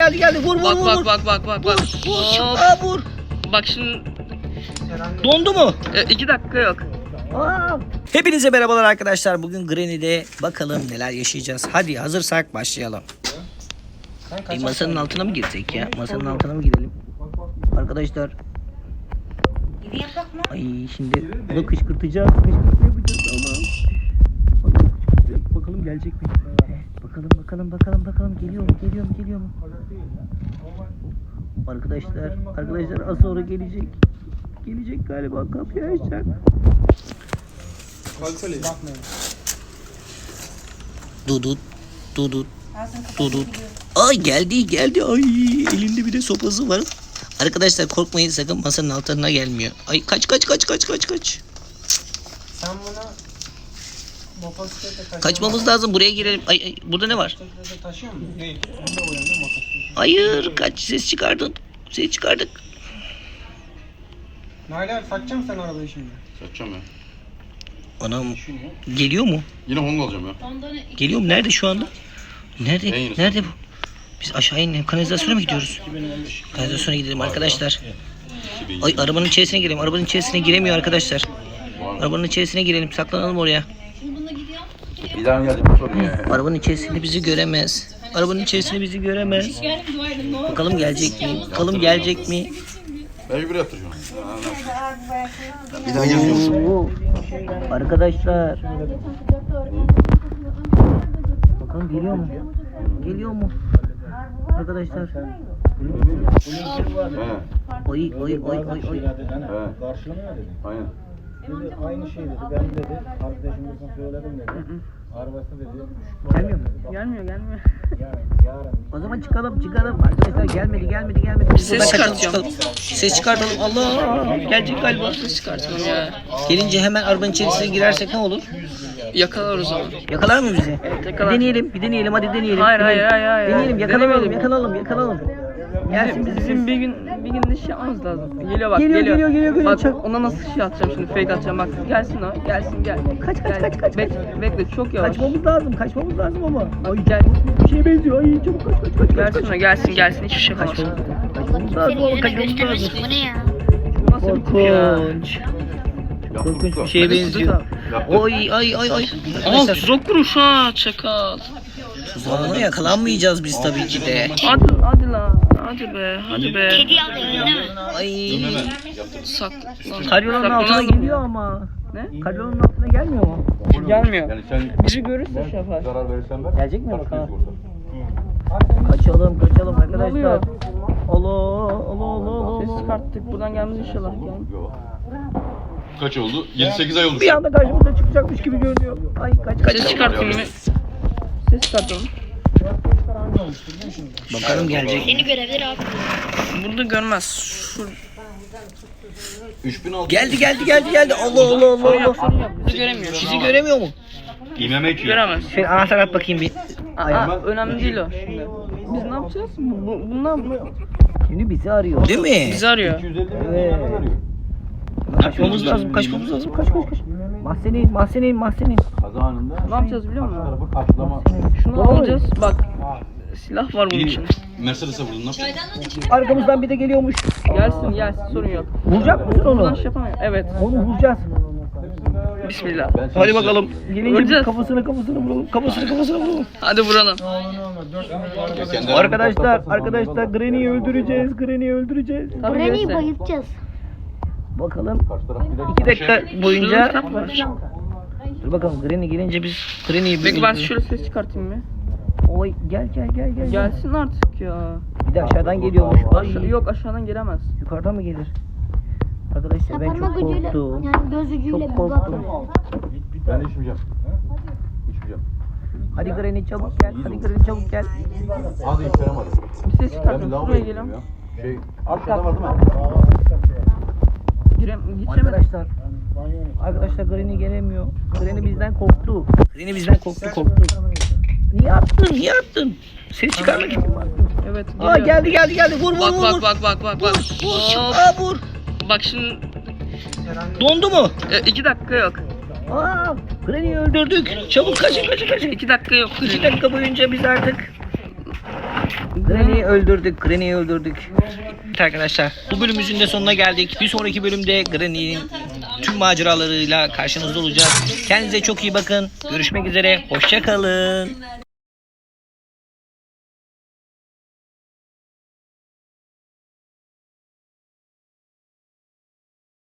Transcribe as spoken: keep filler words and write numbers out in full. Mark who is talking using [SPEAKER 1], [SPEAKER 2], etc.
[SPEAKER 1] Geldi geldi vur vur
[SPEAKER 2] Bak
[SPEAKER 1] vur.
[SPEAKER 2] bak
[SPEAKER 1] vur.
[SPEAKER 2] bak bak bak bak.
[SPEAKER 1] Vur vur.
[SPEAKER 2] Hop.
[SPEAKER 1] Aa, vur.
[SPEAKER 2] Bak şimdi
[SPEAKER 1] Dondu mu?
[SPEAKER 2] e, iki dakika yok.
[SPEAKER 1] Aa. Hepinize merhabalar arkadaşlar. Bugün Granny'de bakalım neler yaşayacağız. Hadi hazırsak başlayalım. E, masanın altına mı girsek ya? Masanın altına mı girelim? Arkadaşlar. Ay şimdi bunu kışkırtacağız. Kışkırtma yapacağız. Allah'ım. Bakalım, kışkırtacağız. Bakalım gelecek mi? Bakalım bakalım bakalım bakalım geliyor mu? Geliyor mu? Geliyor mu? Arkadaşlar, arkadaşlar az sonra gelecek. Gelecek galiba, kapıyı açacak. Dudut, dudut, dudut. Ay geldi, geldi. Ay elinde bir de sopası var. Arkadaşlar korkmayın, sakın masanın altına gelmiyor. Ay kaç kaç kaç kaç kaç kaç.
[SPEAKER 3] Sen buna motosiklete taşıyor.
[SPEAKER 1] Kaçmamız lazım, buraya girelim. Ay, ay burada ne var?
[SPEAKER 3] Motosiklete taşıyor musun? Değil. Bunda uyanıyor motosiklet.
[SPEAKER 1] Hayır, kaç, ses çıkardın. Ses çıkardık.
[SPEAKER 3] Nail abi satacak mısın sen arabayı şimdi?
[SPEAKER 4] Satacağım ya.
[SPEAKER 1] Anam geliyor mu?
[SPEAKER 4] Yine Honda alacağım ya.
[SPEAKER 1] Geliyor mu? Nerede şu anda? Nerede?
[SPEAKER 4] En yenisi.
[SPEAKER 1] Nerede bu? Biz aşağı inelim. Kanalizasyona mı gidiyoruz? Kanalizasyona gidelim arkadaşlar. Ay arabanın içerisine girelim. Arabanın içerisine giremiyor arkadaşlar. Arabanın içerisine girelim. Saklanalım oraya.
[SPEAKER 4] Bir daha geldim sorun ya.
[SPEAKER 1] Arabanın içerisinde bizi göremez. Arabanın içerisinde bizi göremez. Bakalım gelecek mi? Bakalım gelecek mi?
[SPEAKER 4] Mecbur yatıracağım. Bir daha gelmiyorum.
[SPEAKER 1] Oo. Arkadaşlar. Bakalım geliyor mu? Geliyor mu? Arkadaşlar.
[SPEAKER 4] He.
[SPEAKER 1] Oy oy oy oy oy.
[SPEAKER 4] He.
[SPEAKER 5] Karşılamıyor dedi.
[SPEAKER 4] Aynen.
[SPEAKER 5] Dedi aynı şey dedi. Ben dedi arkadaşımızın söyledim dedi. Arabası dedi.
[SPEAKER 1] Gelmiyor mu?
[SPEAKER 2] Gelmiyor gelmiyor.
[SPEAKER 5] Yarın yarın.
[SPEAKER 1] O zaman çıkalım çıkalım. Arkadaşlar gelmedi gelmedi gelmedi. Biz
[SPEAKER 2] Ses
[SPEAKER 1] buradan kaçalım,
[SPEAKER 2] çıkartıyorum.
[SPEAKER 1] çıkalım. Ses çıkartalım. Allah gelecek galiba.
[SPEAKER 2] Ses çıkartalım ya.
[SPEAKER 1] Gelince hemen arabanın içerisine girersek ne olur?
[SPEAKER 2] Yakalar o zaman.
[SPEAKER 1] Yakalar mı bizi? Bir
[SPEAKER 2] yakalar.
[SPEAKER 1] deneyelim, bir deneyelim, hadi deneyelim.
[SPEAKER 2] Hayır,
[SPEAKER 1] Deneyelim.
[SPEAKER 2] hayır, hayır, hayır.
[SPEAKER 1] Deneyelim, yakalayalım,
[SPEAKER 2] Denemeyelim.
[SPEAKER 1] yakalayalım, yakalayalım. Gelsin
[SPEAKER 2] Bizim,
[SPEAKER 1] bizi.
[SPEAKER 2] bizim bir gün bir gün de şey yapmamız lazım. Geliyor bak
[SPEAKER 1] Geliyor,
[SPEAKER 2] geliyor.
[SPEAKER 1] geliyor, geliyor, geliyor.
[SPEAKER 2] Bak
[SPEAKER 1] Çak.
[SPEAKER 2] ona nasıl şey atacağım şimdi, fake atacağım bak. Gelsin o, gelsin gel.
[SPEAKER 1] Kaç, kaç,
[SPEAKER 2] Gel.
[SPEAKER 1] kaç, kaç,
[SPEAKER 2] Bekle, bekle çok yavaş.
[SPEAKER 1] Kaçmamız lazım, kaçmamız lazım ama.
[SPEAKER 2] Ay gel.
[SPEAKER 1] Bir şeye benziyor, ay çabuk kaç, kaç, kaç, kaç.
[SPEAKER 2] Gelsin o, gelsin gelsin hiçbir şey yapamaz.
[SPEAKER 1] Kaçmamız lazım ama
[SPEAKER 6] Yüzüne
[SPEAKER 1] kaçmamız lazım.
[SPEAKER 6] göstermesin bu ne ya?
[SPEAKER 2] Nasıl bir tip ya?
[SPEAKER 1] Korkunç.
[SPEAKER 4] Yaptım
[SPEAKER 1] Korkunç bir
[SPEAKER 4] usta.
[SPEAKER 1] şeye benziyor.
[SPEAKER 4] Yaptım.
[SPEAKER 1] Oy ay ay ay.
[SPEAKER 2] Aa
[SPEAKER 1] Arkadaşlar
[SPEAKER 2] tuzak kuruş ha çakal.
[SPEAKER 1] tuzağına yakalanmayacağız biz tabii ki de.
[SPEAKER 2] Hadi hadi la. Hadi be hadi be.
[SPEAKER 6] Kedi alıyor değil mi?
[SPEAKER 1] Ay.
[SPEAKER 2] Sak.
[SPEAKER 1] Karyonun altına
[SPEAKER 2] Saklanalım.
[SPEAKER 1] geliyor ama.
[SPEAKER 2] Ne?
[SPEAKER 1] Karyonun altına gelmiyor mu?
[SPEAKER 2] Gelmiyor.
[SPEAKER 4] Yani sen
[SPEAKER 2] Biri görürse şey yapar.
[SPEAKER 4] zarar verirsen ver.
[SPEAKER 1] Gelecek mi
[SPEAKER 4] Kaç
[SPEAKER 1] bakalım?
[SPEAKER 4] sigorta?
[SPEAKER 1] Kaçalım kaçalım arkadaşlar.
[SPEAKER 2] oluyor?
[SPEAKER 1] Allah Allah Allah
[SPEAKER 2] Ses
[SPEAKER 1] Allah.
[SPEAKER 2] çıkarttık buradan gelmez inşallah. Gel.
[SPEAKER 4] Yok. Kaç oldu? yedi sekiz ay oldu.
[SPEAKER 1] Bir anda karşımıza çıkacakmış gibi görünüyor. Ay kaç kaç.
[SPEAKER 2] Ses çıkartayım mı? Ses çıkartalım.
[SPEAKER 1] Bakalım gelecek.
[SPEAKER 6] Seni görebilir abi.
[SPEAKER 2] Burada görmez. Şu
[SPEAKER 4] üç bin altı.
[SPEAKER 1] Geldi geldi geldi geldi. Allah Allah Allah Allah.
[SPEAKER 2] bizi göremiyor.
[SPEAKER 1] Bizi göremiyor mu?
[SPEAKER 4] İmeme ki.
[SPEAKER 2] Göremez.
[SPEAKER 1] Şöyle anahtar at bakayım bir.
[SPEAKER 2] Aa, önemli değil o şimdi. Biz ne yapacağız? Bu, bu, bunlar
[SPEAKER 1] Şimdi bizi arıyor. Değil mi?
[SPEAKER 2] bizi arıyor.
[SPEAKER 4] iki yüz elli
[SPEAKER 1] Evet.
[SPEAKER 4] milyon arıyor.
[SPEAKER 1] Kaçmamız lazım, kaçmamız lazım. Kaç kaç kaç. Mahzeneyin, mahzeneyin, mahzeneyin.
[SPEAKER 4] Kaza anında.
[SPEAKER 2] Ne yapacağız biliyor
[SPEAKER 4] Karşı
[SPEAKER 2] musun?
[SPEAKER 4] tarafı karşılama.
[SPEAKER 2] Şunu
[SPEAKER 1] Doğru.
[SPEAKER 2] alacağız. Bak silah var bunun
[SPEAKER 4] Bir
[SPEAKER 2] için.
[SPEAKER 4] Mercedes'e vurdun, ne yapacaksın?
[SPEAKER 1] Arkamızdan bir de geliyormuş.
[SPEAKER 2] Gelsin gelsin sorun yok.
[SPEAKER 1] Vuracak mısın
[SPEAKER 2] Buradan
[SPEAKER 1] onu?
[SPEAKER 2] şey yapamıyor. Evet.
[SPEAKER 1] Onu vuracağız.
[SPEAKER 2] Bismillah.
[SPEAKER 4] Ben
[SPEAKER 1] Hadi
[SPEAKER 4] size-
[SPEAKER 1] bakalım. Gelince
[SPEAKER 2] Vuracağız.
[SPEAKER 1] bir kafasına kafasına vuralım. Kafasına kafasına vuralım.
[SPEAKER 2] Hadi vuralım.
[SPEAKER 4] Ya kendi
[SPEAKER 1] Arkadaşlar,
[SPEAKER 4] arabada
[SPEAKER 1] arkadaşlar
[SPEAKER 4] patlarsın,
[SPEAKER 1] Granny'yi öldüreceğiz. Granny'yi öldüreceğiz.
[SPEAKER 2] Tabii
[SPEAKER 6] Granny'yi
[SPEAKER 2] gelirse.
[SPEAKER 6] bayıltacağız.
[SPEAKER 1] Bakalım.
[SPEAKER 4] Karşı taraf bir de
[SPEAKER 1] iki dakika
[SPEAKER 2] Şurada
[SPEAKER 1] boyunca.
[SPEAKER 2] kitap var.
[SPEAKER 1] Dur bakalım Granny gelince biz Granny'yi bir
[SPEAKER 2] Peki ben
[SPEAKER 1] öldürürüz.
[SPEAKER 2] şöyle ses çıkartayım mı?
[SPEAKER 1] Oy gel gel gel gel. gel.
[SPEAKER 2] Gelsin artık ya.
[SPEAKER 1] Bir de aşağıdan geliyormuş.
[SPEAKER 2] Aşa
[SPEAKER 1] Ay,
[SPEAKER 2] yok aşağıdan gelemez.
[SPEAKER 1] yukarıdan mı gelir? Arkadaşlar ben
[SPEAKER 6] Parmak
[SPEAKER 1] çok
[SPEAKER 6] ucuyla
[SPEAKER 1] korktum.
[SPEAKER 6] yani göz ucuyla
[SPEAKER 1] Çok
[SPEAKER 6] bir
[SPEAKER 1] korktum.
[SPEAKER 6] baktım.
[SPEAKER 4] Ben içmeyeceğim. İçmeyeceğim.
[SPEAKER 1] Hadi Granny çabuk gel. Hadi Granny çabuk gel.
[SPEAKER 4] Hadi içerim hadi.
[SPEAKER 2] Bir ses
[SPEAKER 4] Ben bir
[SPEAKER 2] çıkartayım.
[SPEAKER 4] lavaboya
[SPEAKER 2] Şuraya
[SPEAKER 4] gidiyorum
[SPEAKER 2] geliyorum.
[SPEAKER 4] ya. Şey, aşağıda var değil mi?
[SPEAKER 2] Girem geçemedim.
[SPEAKER 1] Arkadaşlar. Arkadaşlar Granny gelemiyor. Granny bizden korktu. Granny bizden korktu korktu. Niye attın? Niye attın? Ses çıkarmak için mi attın?
[SPEAKER 2] Evet.
[SPEAKER 1] Aa
[SPEAKER 2] geliyor.
[SPEAKER 1] geldi geldi geldi. Vur vur
[SPEAKER 2] Bak
[SPEAKER 1] vur.
[SPEAKER 2] bak
[SPEAKER 1] vur.
[SPEAKER 2] bak bak bak bak.
[SPEAKER 1] Vur.
[SPEAKER 2] Hop.
[SPEAKER 1] Aa vur.
[SPEAKER 2] Bak şimdi
[SPEAKER 1] Dondu mu?
[SPEAKER 2] e, iki dakika yok.
[SPEAKER 1] Aa Granny'yi öldürdük. Çabuk kaçın kaçın kaçın.
[SPEAKER 2] İki dakika yok.
[SPEAKER 1] İki dakika boyunca biz artık Granny'yi öldürdük. Granny'yi öldürdük. Evet arkadaşlar, bu bölümümüzün de sonuna geldik. Bir sonraki bölümde Granny'nin tüm maceralarıyla karşınızda olacağız. Kendinize çok iyi bakın. Görüşmek üzere. Hoşça kalın.